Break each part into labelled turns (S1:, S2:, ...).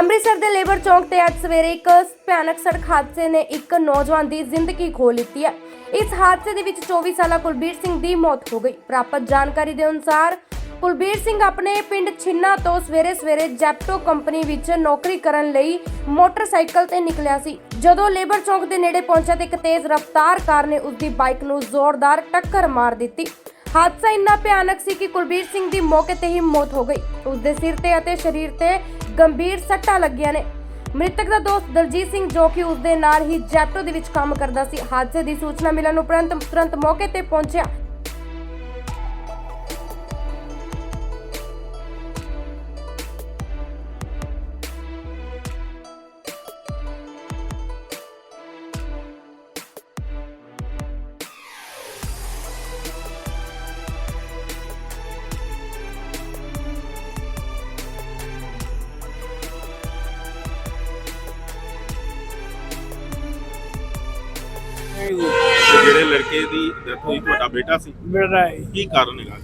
S1: ਅੰਮ੍ਰਿਤਸਰ ਦੇ ਲੇਬਰ ਚੌਂਕ ਤੇ ਅੱਜ ਸਵੇਰੇ ਇੱਕ ਭਿਆਨਕ ਸੜਕ ਹਾਦਸੇ ਨੇ ਇੱਕ ਨੌਜਵਾਨ ਦੀ ਜ਼ਿੰਦਗੀ ਖੋਹ ਲਿੱਤੀ ਹੈ। ਇਸ ਹਾਦਸੇ ਦੇ ਵਿੱਚ 24 ਸਾਲਾ ਕੁਲਬੀਰ ਸਿੰਘ ਦੀ ਮੌਤ ਹੋ ਗਈ। ਪ੍ਰਾਪਤ ਜਾਣਕਾਰੀ ਦੇ ਅਨੁਸਾਰ ਕੁਲਬੀਰ ਸਿੰਘ ਆਪਣੇ ਪਿੰਡ ਛਿੰਨਾ ਤੋਂ ਸਵੇਰੇ ਜੈਪਟੋ ਕੰਪਨੀ ਵਿੱਚ ਨੌਕਰੀ ਕਰਨ ਲਈ ਮੋਟਰਸਾਈਕਲ ਤੇ ਨਿਕਲਿਆ ਸੀ। ਜਦੋਂ ਲੇਬਰ ਚੌਂਕ ਦੇ ਨੇੜੇ ਪਹੁੰਚਿਆ ਤਾਂ ਇੱਕ ਤੇਜ਼ ਰਫ਼ਤਾਰ ਕਾਰ ਨੇ ਉਸ ਦੀ ਬਾਈਕ ਨੂੰ ਜ਼ੋਰਦਾਰ ਟੱਕਰ ਮਾਰ ਦਿੱਤੀ। ਹਾਦਸਾ ਇੰਨਾ ਭਿਆਨਕ ਸੀ ਕਿ ਕੁਲਬੀਰ ਸਿੰਘ ਦੀ ਮੌਕੇ ਤੇ ਹੀ ਮੌਤ ਹੋ ਗਈ। ਉਸ ਦੇ ਸਿਰ ਤੇ ਅਤੇ ਸਰੀਰ ਤੇ ਗੰਭੀਰ ਸੱਟਾਂ ਲੱਗੀਆਂ ਨੇ। ਮ੍ਰਿਤਕ ਦਾ ਦੋਸਤ ਦਲਜੀਤ ਸਿੰਘ ਜੋ ਕਿ ਉਸ ਦੇ ਨਾਲ ਹੀ ਜੈਪਟੋ ਦੇ ਵਿੱਚ ਕੰਮ ਕਰਦਾ ਸੀ, ਹਾਦਸੇ ਦੀ ਸੂਚਨਾ ਮਿਲਣ ਉਪਰੰਤ ਤੁਰੰਤ ਮੌਕੇ ਤੇ ਪਹੁੰਚਿਆ।
S2: ਜਿਹੜੇ ਲੜਕੇ ਦੀ ਡੈਥ ਹੋਈ ਤੁਹਾਡਾ ਬੇਟਾ ਸੀ?
S3: ਮੇਰਾ ਹੈ।
S2: ਕੀ ਕਾਰਨ ਹੈਗਾ?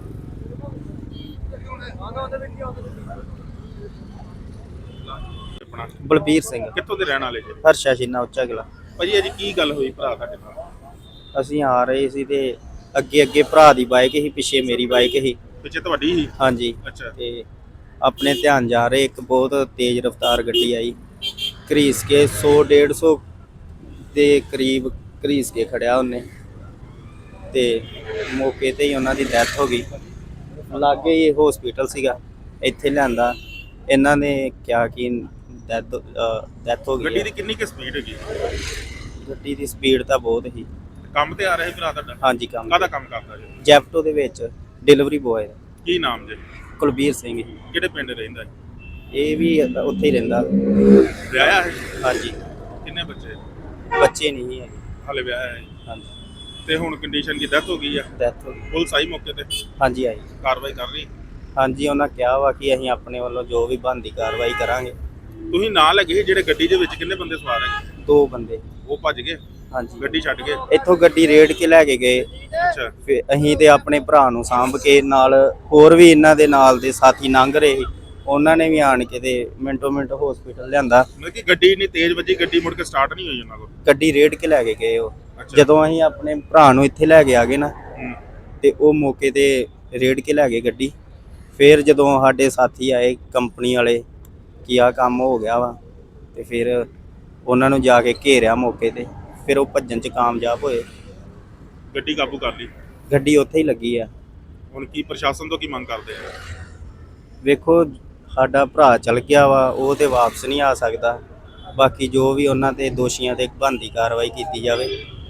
S2: ਆਪਣਾ
S4: ਬਲਬੀਰ ਸਿੰਘ
S2: ਕਿੱਥੋਂ ਦੇ ਰਹਿਣ ਵਾਲੇ ਜੀ?
S4: ਹਰਸ਼ਾ ਛਿੰਨਾ ਉੱਚਾ ਕਿਲਾ।
S2: ਭਾਜੀ ਅੱਜ ਕੀ ਗੱਲ ਹੋਈ ਭਰਾ ਤੁਹਾਡੇ ਨਾਲ?
S4: ਅਸੀਂ ਆ ਰਹੇ ਸੀ ਤੇ ਅੱਗੇ ਭਰਾ ਦੀ ਬਾਈਕ ਸੀ, ਪਿੱਛੇ ਮੇਰੀ ਬਾਈਕ ਸੀ।
S2: ਪਿੱਛੇ ਤੁਹਾਡੀ ਹੀ?
S4: ਹਾਂਜੀ।
S2: ਅੱਛਾ।
S4: ਤੇ ਆਪਣੇ ਧਿਆਨ ਜਾ ਰਹੇ ਇੱਕ ਬਹੁਤ ਤੇਜ਼ ਰਫ਼ਤਾਰ ਗੱਡੀ ਆਈ, ਘਰੀਸ ਕੇ 100-150 ਦੇ ਕਰੀਬ ਘਰੀਸ ਕੇ ਖੜਿਆ ਉਹਨੇ ਤੇ ਮੌਕੇ ਤੇ ਹੀ ਉਹਨਾਂ ਦੀ ਡੈਥ ਹੋ ਗਈ। ਲਾਗੇ ਹੀ ਹਸਪੀਟਲ ਸੀਗਾ, ਇੱਥੇ ਲਿਆਂਦਾ। ਇਹਨਾਂ ਨੇ ਕਿਹਾ ਕਿ ਡੈਥ ਹੋ ਗਈ
S2: ਗੱਡੀ
S4: ਹੈ।
S2: ਦੀ ਕਿੰਨੀ ਕੁ ਸਪੀਡ ਹੈਗੀ?
S4: ਗੱਡੀ ਦੀ ਸਪੀਡ ਤਾਂ ਬਹੁਤ ਸੀ।
S2: ਕੰਮ ਤੇ ਆ ਰਿਹਾ ਸੀ ਭਰਾ ਤੁਹਾਡਾ?
S4: ਹਾਂਜੀ, ਕੰਮ
S2: ਕਾਹਦਾ ਕੰਮ ਕਰਦਾ ਜੀ?
S4: ਜੈਪਟੋ ਦੇ ਵਿੱਚ ਡਿਲੀਵਰੀ ਬੋਏ।
S2: ਕੀ ਨਾਮ ਜੀ?
S4: ਕੁਲਬੀਰ ਸਿੰਘ ਜੀ।
S2: ਕਿਹੜੇ ਪਿੰਡ ਰਹਿੰਦਾ?
S4: ਇਹ ਵੀ ਉੱਥੇ ਹੀ ਰਹਿੰਦਾ।
S2: ਵਿਆਹਿਆ ਹੈ?
S4: ਹਾਂਜੀ।
S2: ਕਿੰਨੇ ਬੱਚੇ?
S4: ਬੱਚੇ ਨਹੀਂ ਹੈਗੇ।
S2: ਹਾਲੇ ਵਿਆਹਿਆ ਹੈ?
S4: ਹਾਂਜੀ।
S2: ਤੇ ਹੁਣ ਕੰਡੀਸ਼ਨ ਕੀ ਡੈਥ ਹੋ ਗਈ ਆ?
S4: ਡੈਥ ਹੋ ਗਈ।
S2: ਪੁਲਿਸ ਆਈ ਮੌਕੇ ਤੇ?
S4: ਹਾਂਜੀ, ਆਈ।
S2: ਕਾਰਵਾਈ ਕਰ ਰਹੀ?
S4: ਹਾਂਜੀ, ਉਹਨਾਂ ਕਿਹਾ ਵਾ ਕਿ ਅਸੀਂ ਆਪਣੇ ਵੱਲੋਂ ਜੋ ਵੀ ਬਣਦੀ ਕਾਰਵਾਈ ਕਰਾਂਗੇ।
S2: ਤੁਸੀਂ ਨਾਲ ਲੱਗੇ ਸੀ ਜਿਹੜੇ ਗੱਡੀ ਦੇ ਵਿੱਚ ਕਿੰਨੇ ਬੰਦੇ ਸਵਾਰ ਹੈਗੇ?
S4: 2 ਬੰਦੇ।
S2: ਉਹ ਭੱਜ ਗਏ?
S4: ਹਾਂਜੀ।
S2: ਗੱਡੀ ਛੱਡ ਗਏ?
S4: ਇੱਥੋਂ ਗੱਡੀ ਰੇੜ ਕੇ ਲੈ ਕੇ ਗਏ।
S2: ਅੱਛਾ।
S4: ਫਿਰ ਅਸੀਂ ਤੇ ਆਪਣੇ ਭਰਾ ਨੂੰ ਸਾਂਭ ਕੇ, ਨਾਲ ਹੋਰ ਵੀ ਇਹਨਾਂ ਦੇ ਨਾਲ ਦੇ ਸਾਥੀ ਲੰਘ ਰਹੇ ਸੀ, ਉਹਨਾਂ ਨੇ ਵੀ ਆਣ ਕੇ ਤੇ ਮਿੰਟੋ ਮਿੰਟ ਹਸਪੀਟਲ ਲਿਆਂਦਾ।
S2: ਮਤਲਬ ਕਿ ਗੱਡੀ ਇੰਨੀ ਤੇਜ਼ ਵੱਜੀ, ਗੱਡੀ ਮੁੜ ਕੇ ਸਟਾਰਟ ਨਹੀਂ ਹੋਈ ਉਹਨਾਂ ਕੋਲ?
S4: ਗੱਡੀ ਰੇੜ ਕੇ ਲੈ ਕੇ ਗਏ ਉਹ।
S2: ਅੱਛਾ।
S4: ਜਦੋਂ ਅਸੀਂ ਆਪਣੇ ਭਰਾ ਨੂੰ ਇੱਥੇ ਲੈ ਕੇ ਆ ਗਏ ਨਾ, ਤੇ ਉਹ ਮੌਕੇ ਤੇ ਰੇੜ ਕੇ ਲੈ ਗਏ ਗੱਡੀ। ਫਿਰ ਜਦੋਂ ਸਾਡੇ ਸਾਥੀ ਆਏ ਕੰਪਨੀ ਵਾਲੇ ਕਿ ਆਹ ਕੰਮ ਹੋ ਗਿਆ ਵਾ, ਤੇ ਫਿਰ ਉਹਨਾਂ ਨੂੰ ਜਾ ਕੇ ਘੇਰਿਆ ਮੌਕੇ ਤੇ। ਫਿਰ ਉਹ ਭੱਜਣ 'ਚ ਕਾਮਯਾਬ ਹੋਏ।
S2: ਗੱਡੀ ਕਾਬੂ ਕਰ ਲਈ?
S4: ਗੱਡੀ ਉੱਥੇ ਹੀ ਲੱਗੀ ਆ।
S2: ਹੁਣ ਕੀ ਪ੍ਰਸ਼ਾਸਨ ਤੋਂ ਕੀ ਮੰਗ ਕਰਦੇ ਆ?
S4: ਵੇਖੋ, ਸਾਡਾ ਭਰਾ ਚਲ ਗਿਆ ਵਾ, ਉਹ ਤੇ ਵਾਪਸ ਨਹੀਂ ਆ ਸਕਦਾ। ਬਾਕੀ ਜੋ ਵੀ ਉਹਨਾਂ ਤੇ ਦੋਸ਼ੀਆਂ ਤੇ ਬਣਦੀ ਕਾਰਵਾਈ ਕੀਤੀ ਜਾਵੇ।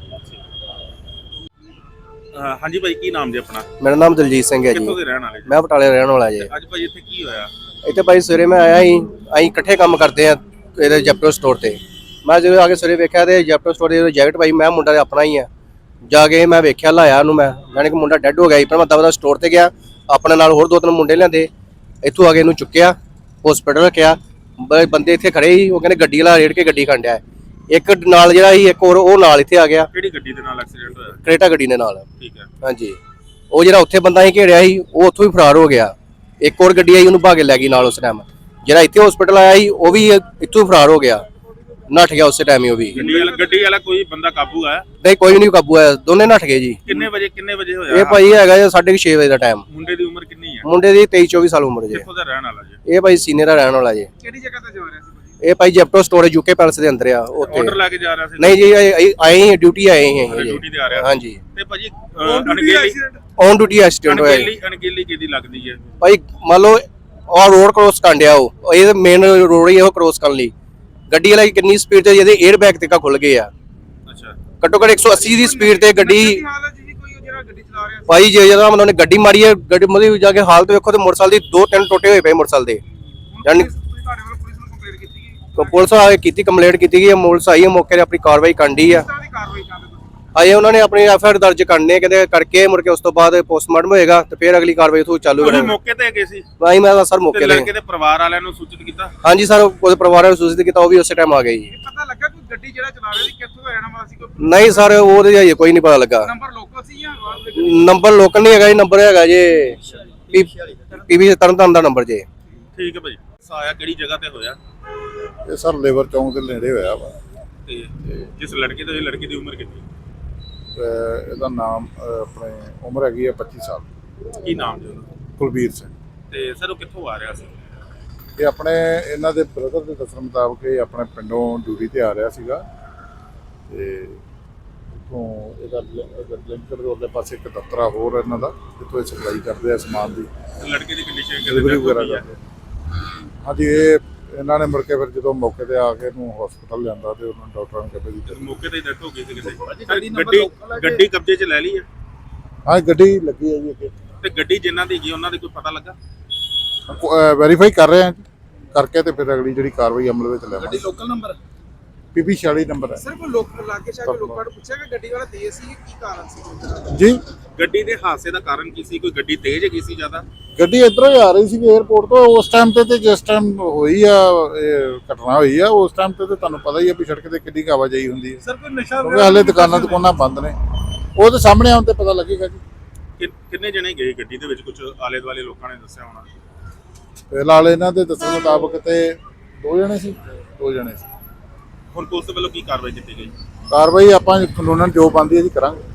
S2: ਹਾਂਜੀ ਭਾਈ, ਕੀ ਨਾਮ ਜੀ ਆਪਣਾ?
S3: ਮੇਰਾ ਨਾਮ ਦਲਜੀਤ ਸਿੰਘ ਹੈ ਜੀ।
S2: ਕਿੱਥੋਂ ਦੇ ਰਹਿਣ ਵਾਲੇ ਜੀ?
S3: ਮੈਂ ਬਟਾਲੇ ਰਹਿਣ ਵਾਲਾ ਜੀ।
S2: ਅੱਜ ਭਾਈ ਇੱਥੇ ਕੀ ਹੋਇਆ?
S3: ਇੱਥੇ ਭਾਈ ਸਵੇਰੇ ਮੈਂ ਆਇਆ ਸੀ, ਅਸੀਂ ਇਕੱਠੇ ਕੰਮ ਕਰਦੇ ਆ ਇਹਦੇ ਜੈਪਟੋ ਸਟੋਰ ਤੇ। ਮੈਂ ਜਦੋਂ ਆ ਕੇ ਸਵੇਰੇ ਵੇਖਿਆ ਤੇ ਜੈਪਟੋ ਸਟੋਰ ਦੇ ਜੈਕਟ ਭਾਈ, ਮੈਂ ਮੁੰਡਾ ਆਪਣਾ ਹੀ ਆ। ਜਾ ਕੇ ਮੈਂ ਵੇਖਿਆ, ਲਾਇਆ ਉਹਨੂੰ ਮੈਂ ਕਿ ਮੁੰਡਾ ਡੈੱਡ ਹੋ ਗਿਆ ਸੀ। ਪਰ ਮੈਂ ਦਵਾ ਸਟੋਰ ਤੇ ਗਿਆ, ਆਪਣੇ ਨਾਲ ਹੋਰ 2-3 ਮੁੰਡੇ ਲਿਆਂਦੇ, ਇੱਥੋਂ ਆ ਕੇ ਇਹਨੂੰ ਚੁੱਕਿਆ, ਹਸਪੀਟਲ ਰੱਖਿਆ। ਬੰਦੇ ਇੱਥੇ ਖੜੇ ਸੀ, ਉਹ ਕਹਿੰਦੇ ਗੱਡੀ ਵਾਲਾ ਰੇੜ ਕੇ ਗੱਡੀ ਖੰਡਿਆ। ਇੱਕ ਨਾਲ ਜਿਹੜਾ ਸੀ, ਇੱਕ ਹੋਰ ਉਹ ਨਾਲ ਇੱਥੇ ਆ ਗਿਆ।
S2: ਕਿਹੜੀ ਗੱਡੀ ਦੇ ਨਾਲ ਐਕਸੀਡੈਂਟ ਹੋਇਆ?
S3: ਕਰੇਟਾ ਗੱਡੀ ਦੇ ਨਾਲ।
S2: ਠੀਕ ਹੈ।
S3: ਹਾਂਜੀ। ਉਹ ਜਿਹੜਾ ਉੱਥੇ ਬੰਦਾ ਸੀ ਘੇੜਿਆ ਸੀ, ਉਹ ਉੱਥੋਂ ਹੀ ਫਰਾਰ ਹੋ ਗਿਆ। ਇੱਕ ਹੋਰ ਗੱਡੀ ਆਈ, ਉਹਨੂੰ ਭਾਗ ਲੈ ਗਈ ਨਾਲ ਉਸ ਟਾਈਮ। ਜਿਹੜਾ ਇੱਥੇ ਹਸਪੀਟਲ ਆਇਆ ਸੀ, ਉਹ ਵੀ ਇੱਥੋਂ ਫਰਾਰ ਹੋ ਗਿਆ, ਨੱਠ ਗਿਆ ਉਸੇ ਟਾਈਮ ਹੀ। ਉਹ ਵੀ
S2: ਗੱਡੀ ਵਾਲਾ ਕੋਈ ਬੰਦਾ ਕਾਬੂ ਆਇਆ?
S3: ਨਹੀਂ, ਕੋਈ ਨਹੀਂ ਕਾਬੂ ਆਇਆ, ਦੋਨੇ ਨੱਠ ਗਏ ਜੀ।
S2: ਕਿੰਨੇ ਵਜੇ ਹੋਇਆ?
S3: ਇਹ ਭਾਈ ਹੈਗਾ 6:30 ਵਜੇ ਦਾ ਟਾਈਮ।
S2: ਮੁੰਡੇ ਦੀ ਉਮਰ ਕਿੰਨੀ ਹੈ?
S3: ਮੁੰਡੇ ਦੀ 23-24 ਸਾਲ ਉਮਰ ਜੀ।
S2: ਕਿੱਥੋਂ ਦਾ ਰਹਿਣ ਵਾਲਾ ਜੀ?
S3: ਇਹ ਭਾਈ ਸੀਨੀਅਰ ਦਾ ਰਹਿਣ ਵਾਲਾ ਜੀ।
S2: ਕਿਹੜੀ ਜਗ੍ਹਾ ਤੇ ਜਾ ਰਿਹਾ ਸੀ?
S3: ਇਹ ਭਾਈ ਜੈਪਟੋ ਸਟੋਰ ਯੂਕੇ ਪੈਲਸ ਦੇ ਅੰਦਰ ਆ ਉੱਥੇ।
S2: ਆਰਡਰ ਲੈ ਕੇ ਜਾ ਰਿਹਾ ਸੀ?
S3: ਨਹੀਂ ਜੀ, ਆਏ ਹੀ ਡਿਊਟੀ ਆਏ ਹੀ
S2: ਡਿਊਟੀ ਤੇ ਆ ਰਿਹਾ।
S3: ਹਾਂਜੀ।
S2: ਤੇ ਭਾਜੀ ਅਣਗਹਿਲੀ
S3: ਔਨ ਡਿਊਟੀ ਐਕਸੀਡੈਂਟ ਹੋਇਆ ਜੀ।
S2: ਅਣਗਹਿਲੀ ਕਿਹਦੀ ਲੱਗਦੀ ਹੈ
S3: ਭਾਈ? ਮੰਨ ਲਓ ਉਹ ਰੋਡ ਕ੍ਰੋਸ ਕਰਨ ਡਿਆ, ਉਹ ਇਹ ਮੇਨ ਰੋਡ ਹੀ ਉਹ ਕ੍ਰੋਸ ਕਰਨ ਲਈ। ਗੱਡੀ ਵਾਲਾ ਕਿੰਨੀ ਸਪੀਡ ਤੇ, ਜਿਹਦੇ 에ਅਰ ਬੈਗ ਤੱਕ ਖੁੱਲ ਗਏ ਆ।
S2: ਅੱਛਾ।
S3: ਘੱਟੋ ਘੱਟ 180 ਦੀ ਸਪੀਡ ਤੇ ਗੱਡੀ।
S2: ਕੋਈ ਜਿਹੜਾ ਗੱਡੀ ਚਲਾ ਰਿਹਾ
S3: ਭਾਈ ਜੇ ਜਦੋਂ ਉਹਨੇ ਗੱਡੀ ਮਾਰੀ ਹੈ, ਗੱਡੀ ਮਤਲਬ ਜਾ ਕੇ ਹਾਲਤ ਵੇਖੋ ਤੇ ਮੋਟਰਸਾਈਕਲ ਦੀ 2-3 ਟੋਟੇ ਹੋਏ ਪਏ ਮੋਟਰਸਾਈਕਲ ਦੇ। ਯਾਨੀ ਪੁਲਿਸ ਆ ਕੇ ਕੀਤੀ ਕੰਪਲੇਂਟ ਕੀਤੀ ਗਈ ਹੈ, ਪੁਲਿਸ ਆਈ ਹੈ ਮੌਕੇ ਤੇ, ਆਪਣੀ ਕਾਰਵਾਈ ਕਰਨੀ ਆ। ਆਏ ਉਹਨਾਂ ਨੇ ਆਪਣੀ ਐਫਆਈਆਰ ਦਰਜ ਕਰਨੇ ਕਹਿੰਦੇ ਕਰਕੇ, ਮੁੜ ਕੇ ਉਸ ਤੋਂ ਬਾਅਦ ਪੋਸਟਮਾਰਟਮ ਹੋਏਗਾ ਤੇ ਫਿਰ ਅਗਲੀ ਕਾਰਵਾਈ ਉਥੋਂ ਚਾਲੂ
S2: ਤੁਸੀਂ ਮੌਕੇ ਤੇ ਗਏ ਸੀ?
S3: ਭਾਈ ਮੈਂ ਸਰ ਮੌਕੇ ਤੇ।
S2: ਲੜਕੇ ਦੇ ਪਰਿਵਾਰ ਵਾਲਿਆਂ ਨੂੰ ਸੂਚਿਤ ਕੀਤਾ?
S3: ਹਾਂਜੀ ਸਰ, ਉਹਦੇ ਪਰਿਵਾਰ ਨੂੰ ਸੂਚਿਤ ਕੀਤਾ, ਉਹ ਵੀ ਉਸੇ ਟਾਈਮ ਆ ਗਏ ਜੀ।
S2: ਪਤਾ ਲੱਗਾ ਕੋਈ ਗੱਡੀ ਜਿਹੜਾ ਚਲਾ ਰਿਹਾ ਸੀ ਕਿੱਥੋਂ ਦਾ ਰਹਿਣ ਵਾਲਾ ਸੀ?
S3: ਨਹੀਂ ਸਰ, ਉਹਦੇ ਹਜੇ ਕੋਈ ਨਹੀਂ ਪਤਾ ਲੱਗਾ।
S2: ਨੰਬਰ ਲੋਕਲ ਸੀ ਜਾਂ
S3: ਨੰਬਰ ਲੋਕਲ ਨਹੀਂ ਹੈਗਾ ਜੀ, ਨੰਬਰ ਹੈਗਾ ਜੀ ਪੀਵੀ ਤਰਨਤਾਰਨ ਦਾ ਨੰਬਰ ਜੀ।
S2: ਠੀਕ ਹੈ ਭਾਈ। ਆਇਆ ਕਿਹੜੀ ਜਗ੍ਹਾ ਤੇ ਹੋਇਆ?
S5: ਇਹ ਸਰ ਲੇਬਰ ਚੌਂਕ ਦੇ ਨੇੜੇ ਹੋਇਆ ਵਾ।
S2: ਤੇ ਜਿਸ ਲੜਕੇ ਤੋਂ ਇਹ ਲੜਕੀ ਦੀ ਉਮਰ ਕਿੰਨੀ?
S5: ਇਹਦਾ ਨਾਮ ਆਪਣੇ ਉਮਰ ਹੈਗੀ ਹੈ 25 ਸਾਲ।
S2: ਕੀ ਨਾਮ ਜੀ ਉਹਦਾ?
S5: ਕੁਲਬੀਰ ਸਿੰਘ।
S2: ਤੇ ਸਰ ਉਹ ਕਿੱਥੋਂ ਆ ਰਿਹਾ ਸੀ?
S5: ਇਹ ਆਪਣੇ ਇਹਨਾਂ ਦੇ ਬ੍ਰਦਰ ਦੇ ਦੱਸਣ ਮੁਤਾਬਕ ਇਹ ਆਪਣੇ ਪਿੰਡੋਂ ਡਿਊਟੀ ਤੇ ਆ ਰਿਹਾ ਸੀਗਾ ਤੇ ਉੱਥੋਂ ਇਹਦਾ ਲਿੰਕਰ ਦੇ ਉਹਦੇ ਪਾਸੇ ਇੱਕ ਦਫ਼ਤਰਾ ਹੋਰ ਇਹਨਾਂ ਦਾ ਜਿੱਥੋਂ ਇਹ ਸਪਲਾਈ ਕਰਦੇ ਆ ਸਮਾਨ ਦੀ
S2: ਲੜਕੇ ਦੀ ਕੰਡੀਸ਼ਨ
S5: ਡਿਲੀਵਰੀ ਵਗੈਰਾ ਕਰਦੇ। ਹਾਂਜੀ ਇਹ ਇਹਨਾਂ ਨੇ ਮੁੜ ਕੇ ਫਿਰ ਜਦੋਂ ਮੌਕੇ ਤੇ ਆ ਕੇ ਇਹਨੂੰ ਹਸਪਤਾਲ ਲਿਆਂਦਾ ਤੇ ਉਹਨਾਂ ਡਾਕਟਰਾਂ ਨੇ ਕਹਿੰਦੇ ਜੀ
S2: ਮੌਕੇ ਤੇ ਡੈਥ ਹੋ ਗਈ ਸੀ ਕਿਤੇ। ਗੱਡੀ ਕਬਜ਼ੇ 'ਚ ਲੈ ਲਈ ਹੈ?
S5: ਹਾਂ ਗੱਡੀ ਲੱਗੀ ਹੈ ਜੀ ਅੱਗੇ।
S2: ਤੇ ਗੱਡੀ ਜਿਨ੍ਹਾਂ ਦੀ ਹੈਗੀ ਉਹਨਾਂ ਦੀ ਕੋਈ ਪਤਾ ਲੱਗਾ?
S5: ਵੈਰੀਫਾਈ ਕਰ ਰਹੇ ਹਾਂ ਜੀ, ਕਰਕੇ ਤੇ ਫਿਰ ਅਗਲੀ ਜਿਹੜੀ ਕਾਰਵਾਈ ਅਮਲ ਵਿੱਚ ਲੈਵਾਂਗੇ।
S6: ਗੱਡੀ ਲੋਕਲ ਨੰਬਰ
S5: ਪੀਪੀ 46 ਨੰਬਰ ਹੈ।
S6: ਸਰ ਕੋਈ ਲੋਕ ਲਾਗੇ ਸ਼ਾਹ ਕੇ ਲੋਕਾਂ ਨੂੰ ਪੁੱਛਿਆ ਕਿ ਗੱਡੀ ਵਾਲਾ ਤੇਜ਼ ਸੀ ਕੀ ਕਾਰਨ ਸੀ?
S5: ਜੀ
S2: ਗੱਡੀ ਦੇ ਹਾਦਸੇ ਦਾ ਕਾਰਨ ਕੀ ਸੀ? ਕੋਈ ਗੱਡੀ ਤੇਜ਼ ਹੈਗੀ ਸੀ ਜ਼ਿਆਦਾ?
S5: ਗੱਡੀ ਇੱਧਰੋਂ ਹੀ ਆ ਰਹੀ ਸੀ 에ਅਰਪੋਰਟ ਤੋਂ ਉਸ ਟਾਈਮ ਤੇ ਜਿਸ ਟਾਈਮ ਹੋਈ ਆ ਇਹ ਘਟਨਾ ਹੋਈ ਆ ਉਸ ਟਾਈਮ ਤੇ ਤੁਹਾਨੂੰ ਪਤਾ ਹੀ ਆ ਵੀ ਸੜਕ ਤੇ ਕਿੰਨੀ ਆਵਾਜਾਈ ਹੁੰਦੀ ਹੈ।
S6: ਸਰ ਕੋਈ ਨਸ਼ਾ
S5: ਕਿਉਂਕਿ ਹਾਲੇ ਦੁਕਾਨਾਂ ਬੰਦ ਨੇ, ਉਹ ਤੇ ਸਾਹਮਣੇ ਆਉਣ ਤੇ ਪਤਾ ਲੱਗੇਗਾ ਜੀ।
S2: ਕਿੰਨੇ ਜਣੇ ਗਏ ਗੱਡੀ ਦੇ ਵਿੱਚ? ਕੁਝ ਆਲੇ ਦੁਆਲੇ ਲੋਕਾਂ ਨੇ ਦੱਸਿਆ ਹੋਣਾ।
S5: ਫਿਲਹਾਲ ਇਹਨਾਂ ਦੇ ਦੱਸਣ ਮੁਤਾਬਕ ਤੇ 2 ਜਣੇ ਸੀ।
S2: ਹੁਣ ਪੁਲਿਸ ਵੱਲੋਂ ਕੀ ਕਾਰਵਾਈ ਕੀਤੀ ਗਈ?
S5: ਕਾਰਵਾਈ ਆਪਾਂ ਕਾਨੂੰਨਨ ਜੋ ਬਣਦੀ ਹੈ ਜੀ ਕਰਾਂਗੇ।